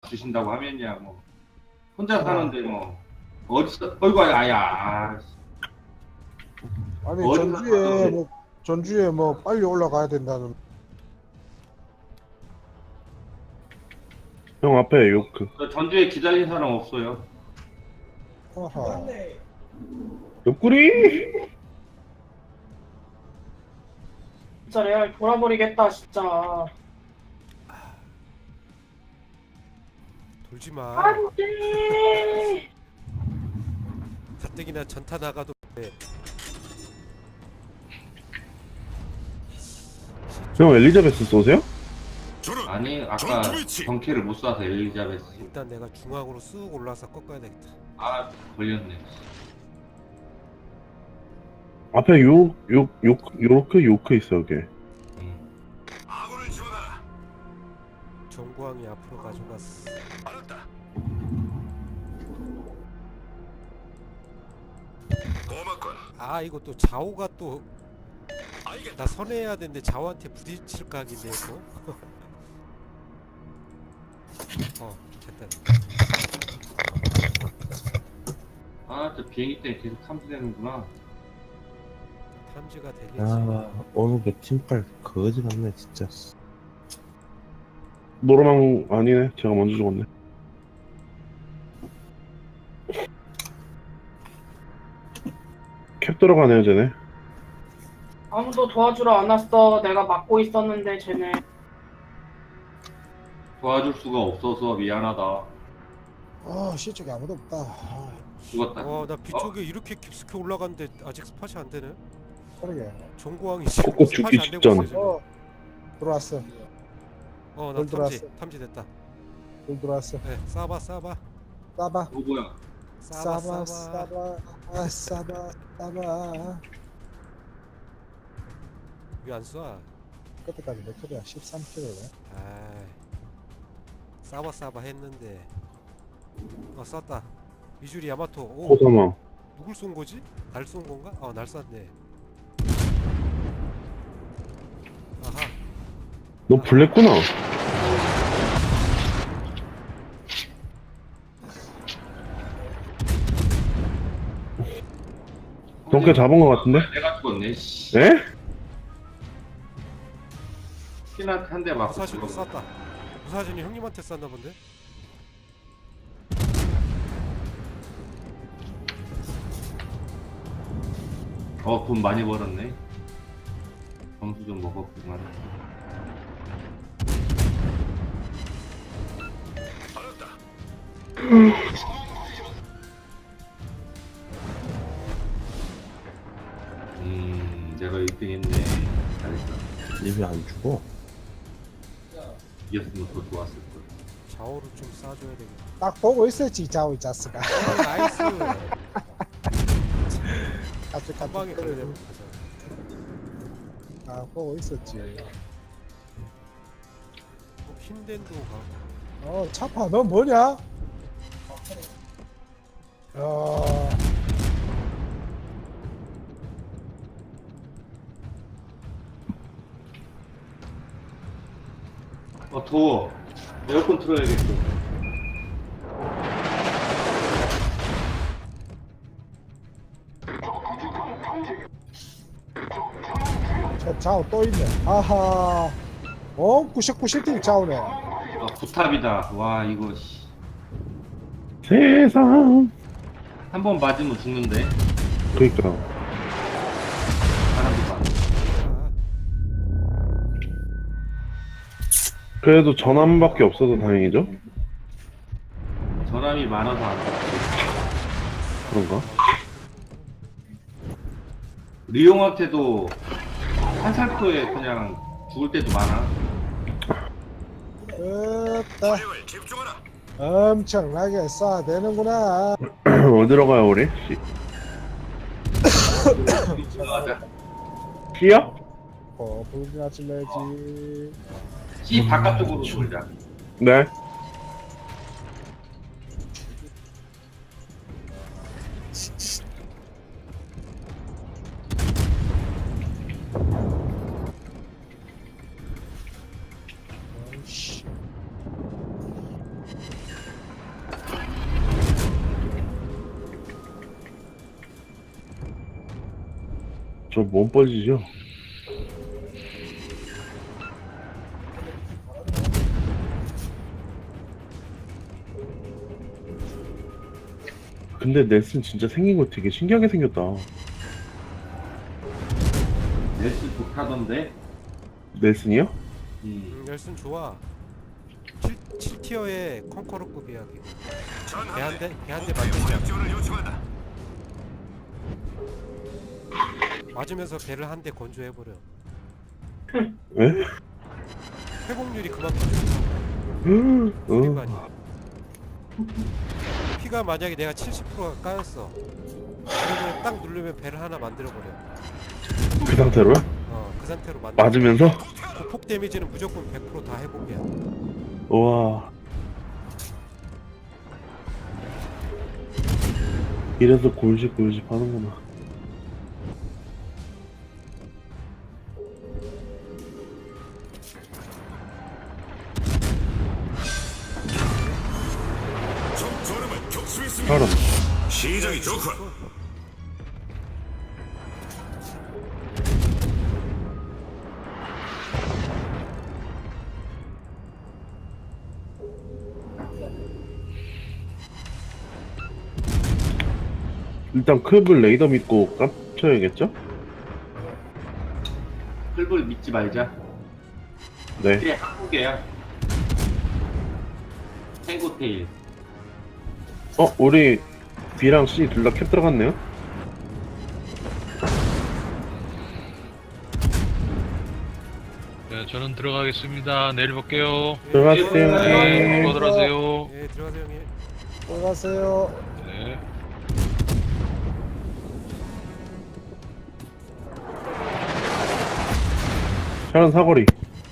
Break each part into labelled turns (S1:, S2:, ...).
S1: 주신다고 하면야 뭐 혼자 사는데 뭐 어디서 어이구 아야
S2: 아니
S1: 어디서
S2: 전주에 뭐 빨리 올라가야 된다는.
S3: 형 앞에 요크.
S1: 전주에 기다린 사람 없어요.
S2: 아하.
S3: 옆구리.
S4: 진짜 레알 돌아버리겠다 진짜.
S5: 돌지마.
S4: 안돼.
S5: 가뜩이나 전타 나가도 돼.
S3: 형 엘리자베스 쏘세요?
S1: 아니 아까 경쾌를 못 쏴서 엘리자베스.
S5: 일단 내가 중앙으로 쑥 올라서 꺾어야 되겠다.
S1: 아 걸렸네.
S3: 앞에 요크 있어 여기.
S5: 정구왕이 앞으로 가져갔어. 아 이거 또 좌우가 또 나 선회해야 되는데 좌우한테 부딪힐 각인데 또. 됐다.
S1: 아저 비행기 때문에 계속 탐지되는구나.
S5: 탐지가 되겠지.
S6: 오늘 그 팀빨 거지 같네 진짜.
S3: 노래망 아니네. 제가 먼저 죽었네. 캡 들어가네요 쟤네.
S4: 아무도 도와주러 안 왔어. 내가 막고 있었는데 쟤네.
S1: 도와줄 수가 없어서 미안하다.
S2: 아 시쪽에 아무도 없다. 아,
S1: 죽었다.
S5: 나 뒤쪽에 이렇게 깊숙이 올라갔는데 아직 스팟이 안 되네.
S2: 그러게.
S5: 정구왕이 지금
S3: 꺾고
S5: 스팟이
S3: 죽기
S5: 안 되고
S3: 직전.
S5: 있어 지금.
S2: 들어왔어.
S5: 나
S2: 뭘 들어왔어?
S5: 탐지됐다.
S2: 돌 들어왔어.
S5: 네, 쏴봐.
S2: 싸봐.
S1: 뭐야?
S2: 싸봐. 싸봐.
S5: 왜안 쏴?
S2: 그때까지 몇 킬이야? 13킬이네.
S5: 아이, 싸봐 했는데. 쐈다. 미주리 야마토. 오,
S3: 호사망.
S5: 누굴 쏜 거지? 날 쏜 건가? 날 쐈네. 아하.
S3: 너 블랙구나. 덩크 잡은 거 같은데?
S1: 내가 죽었네. 씨.
S3: 에?
S1: 피나 한대 맞고
S5: 무사진도
S1: 죽었네.
S5: 쐈다. 무사진이 형님한테 쐈나 본데?
S1: 돈 많이 벌었네. 점수 좀 먹었구만. 내가 1등 했네. 잘했어.
S6: 입이 안 죽어.
S1: 이겼으면 더 좋았을 걸.
S5: 좌우를 좀 쏴줘야 되겠다.
S2: 딱 보고 있었지 자우 자스가.
S5: 나이스.
S2: 갑자기
S5: 한 방에
S2: 그래.
S5: 걸려면 가자.
S2: 아 보고 있었지.
S5: 흰덴도 가고.
S2: 차파 너 뭐냐?
S1: 더워. 에어컨 틀어야겠어.
S2: 저 자우 또 있네. 아하. 99팀 자우네.
S1: 부탑이다. 와 이거 씨.
S3: 세상.
S1: 한 번 맞으면 죽는데.
S3: 그니까.
S1: 사람도 많아.
S3: 그래도 전함밖에 없어서 다행이죠?
S1: 전함이 많아서 안 돼.
S3: 그런가?
S1: 리용한테도 한살토에 그냥 죽을 때도 많아.
S2: 됐다. 엄청나게 쏴야 되는구나.
S3: 어디로 가요 우리?
S1: 가자.
S3: C야?
S2: 불이나 질러야지.
S1: C 바깥쪽으로 돌자.
S3: 네. 저 몸 뻘지죠? 근데 넷은 진짜 생긴 거 되게 신기하게 생겼다.
S1: 넷스 좋다던데.
S3: 넷은이요?
S5: 열순 좋아. 7티어의 컨커러급이야. 배한대 맞으면 맞으면서 배를 한 대 건조해버려.
S3: 왜?
S5: 회복률이 그만큼
S3: 어.
S5: 아니. 피가 만약에 내가 70%가 까였어. 그러면 딱 누르면 배를 하나 만들어버려.
S3: 그 상태로요?
S5: 그 상태로 만들어.
S3: 맞으면서?
S5: 그 폭 데미지는 무조건 100%다 회복이야.
S3: 우와. 이래서 골집골집 하는구나. 사람.
S7: 시작이 좋군.
S3: 일단 클블 레이더 믿고 깝쳐야겠죠?
S1: 클불 믿지 말자.
S3: 네.
S1: 이게 한국이야. 탱고테일.
S3: 우리 B랑 C 둘 다 캡 들어갔네요?
S8: 네, 저는 들어가겠습니다. 내일 볼게요.
S3: 들어가세요.
S8: 네, 수고들 하세요.
S5: 예, 들어가세요 형님.
S2: 들어가세요.
S8: 네.
S3: 샤론 사거리.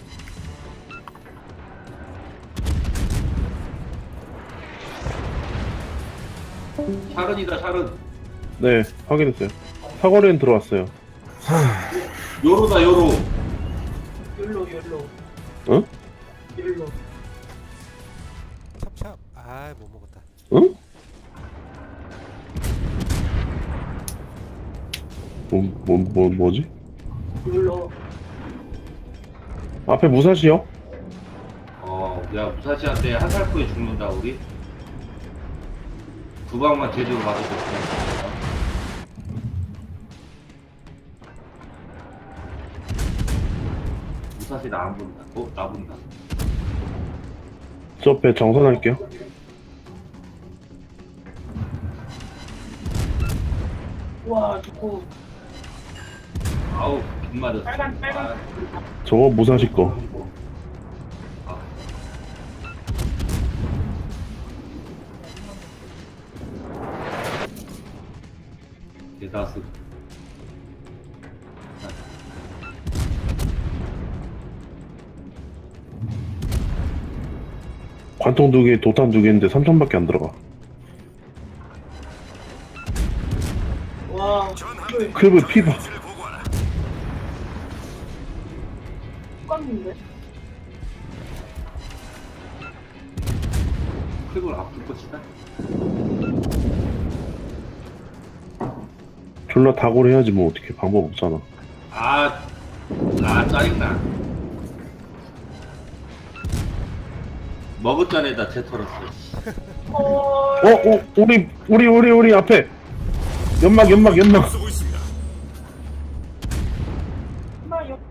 S1: 샤른이다 샤른.
S3: 네, 확인했어요. 사거리는 들어왔어요.
S1: 요로다 요로.
S4: 율로.
S3: 응?
S4: 율로.
S5: 찹찹. 아, 못 먹었다.
S3: 응? 뭐지?
S4: 율로.
S3: 앞에 무사시요?
S1: 야 무사시한테 한 살 후에 죽는다 우리. 두 방만 제대로 맞아도 죽는다. 무사시 나 안 본다. 나 본다.
S3: 저 배 정선할게요.
S4: 와, 좋고.
S1: 아우 빗 맞았어.
S4: 빨간.
S3: 저거 무사시 거.
S1: 대다수.
S3: 관통 2개, 도탄 2개인데 3천밖에 안 들어가.
S4: 와,
S3: 클브 피바.
S4: 똑같는데?
S1: 클불 아플 것이다.
S3: 졸라 다골 해야지 뭐 어떻게 방법 없잖아.
S1: 짜증나. 머그잔에다 재 털었어.
S3: 우리 앞에 연막.
S7: 쓰고 있습니다.
S4: 나 옆에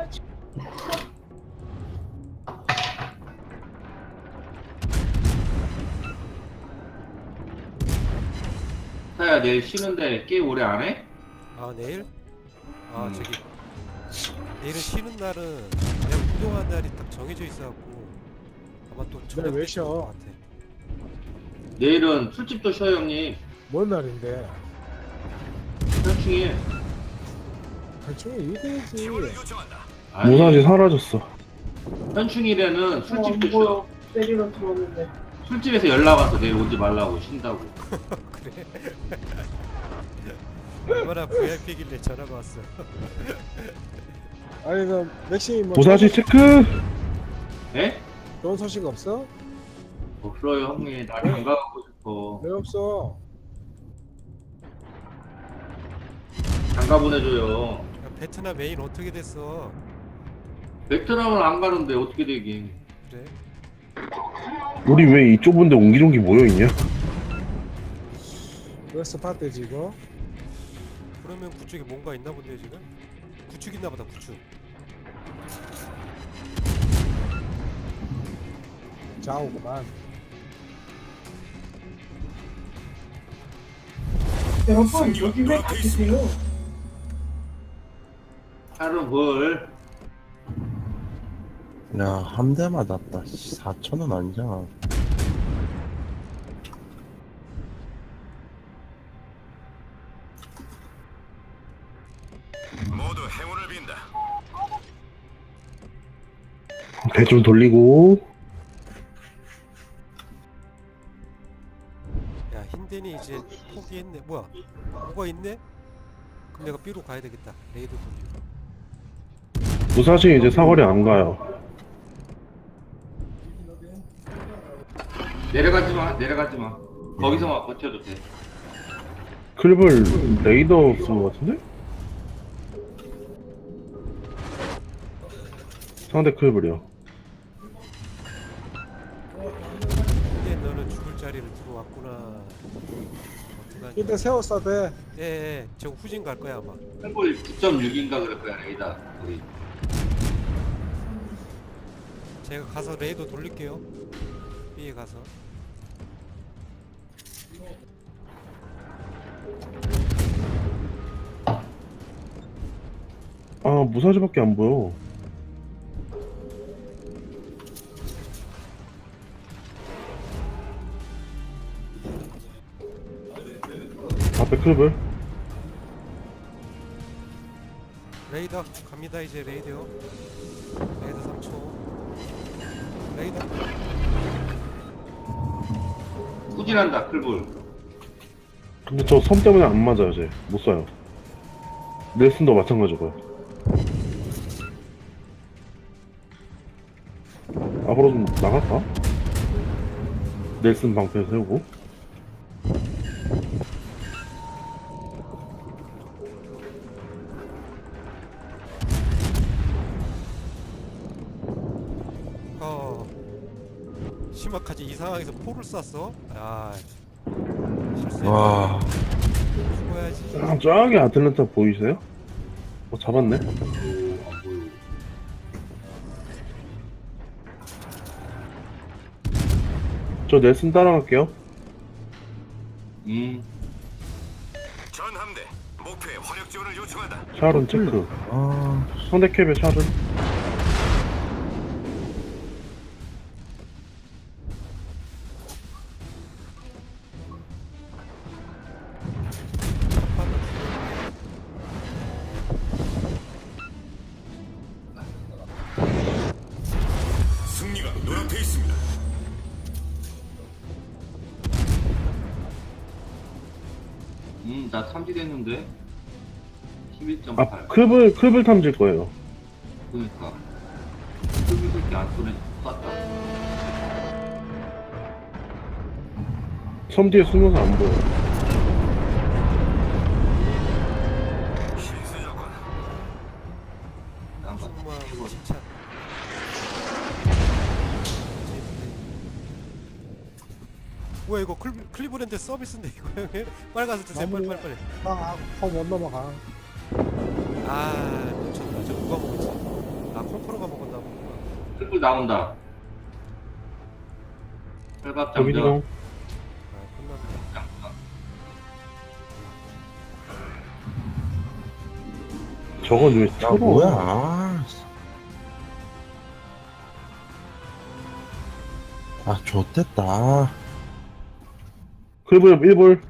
S1: 사야 내일 쉬는데 게임 오래 안 해?
S5: 아, 내일? 저기 내일은 쉬는 날은 그냥 운동하는 날이 딱 정해져 있어갖고 아마 또
S2: 내일 왜 쉬어?
S5: 것 같아.
S1: 내일은 술집도 쉬어요 형님.
S2: 뭔 날인데?
S1: 현충일.
S2: 대충 이래야지.
S3: 무사시 사라졌어.
S1: 현충일에는 술집도 쉬어.
S4: 뭐야? 내리러 들어왔는데.
S1: 술집에서 연락 와서 내일 오지 말라고 쉰다고.
S5: 그래? 얼마나 VIP길래 전화가 왔어.
S2: 아니 그 맥심이 뭐
S3: 무사시 체크.
S1: 에?
S2: 좋은 소식 없어?
S1: 없어요 형님. 나 건강하고 싶어.
S2: 왜 없어?
S1: 장가 보내줘요.
S5: 야, 베트남 메인 어떻게 됐어?
S1: 베트남을 안 가는데 어떻게 되긴.
S5: 그래?
S3: 우리 왜 이 좁은데 옹기종기 모여있냐?
S2: 웨스트 파트지 이거.
S5: 그러면 그쪽에 뭔가 있나 본데 지금? 구축 있나 보다 구축.
S2: 좌우구만.
S7: 여러분 여기 왜 계세요?
S1: 하루 벌.
S6: 야, 한 대 맞았다. 4,000원 아니잖아.
S7: 모두 행운을 빈다.
S3: 배 좀 돌리고.
S5: 야 힌덴이 이제 포기했네. 뭐야? 뭐가 있네? 그럼 내가 B로 가야 되겠다. 레이드 돌리고.
S3: 무사시 이제 사거리 안 가요.
S1: 내려가지 마. 내려가지 마. 거기서만 버텨도 돼.
S3: 클립을 레이더 쓴 것 같은데? 상대 클립이요.
S5: 힌덴 너는 죽을 자리를 들어왔구나. 어떡하냐?
S2: 근데 세웠어 돼.
S5: 예, 저 후진 갈 거야 아마.
S1: 헐 9.6인가 그럴 거야 레이다. 우리.
S5: 제가 가서 레이더 돌릴게요. B에 가서.
S3: 아, 무사시밖에 안 보여. 앞에 클립을.
S5: 레이더 갑니다 이제 레이더요. 레이더 3초. 레이더.
S1: 후진한다 클불.
S3: 근데 저 섬 때문에 안 맞아요, 쟤. 못 쏴요. 넬슨도 마찬가지고요. 앞으로 좀 나갈까? 넬슨 방패 세우고.
S5: 심각하지. 이 상황에서 포를 쐈어? 아 실수했네.
S6: 와,
S5: 죽어야지.
S3: 저기 아틀란타 보이세요? 잡았네.
S1: 안 보여.
S3: 저 넬슨 따라갈게요.
S7: 전 함대 목표에 화력 지원을 요청한다.
S3: 샤론 체크.
S6: 아,
S3: 상대 캡의 샤론.
S7: 승리가 눈앞에 있습니다.
S1: 나 탐지됐는데. 11.8.
S3: 아, 클립을 탐질 거예요.
S1: 그러니까. 클불 그렇게 안 쏘네. 쐈다.
S3: 섬 뒤에 숨어서 안 보여.
S7: 신수 조건.
S1: 난
S5: 승무하고 칭찬. 뭐야 이거 클리브랜드 서비스인데 이거 형님? 빨리 가서 드세요. 빨리.
S2: 못 넘어가.
S5: 아 놓쳤다. 저 누가 먹었지? 아 콩프로가 먹었나 보구나.
S1: 클불 나온다. 혈밥
S3: 저기
S1: 장전.
S3: 좀
S5: 아 끝났네.
S3: 저건 왜
S6: 야,
S3: 쳐로?
S6: 뭐야. 아, 아, 좋댔다.
S3: 클립을 1볼.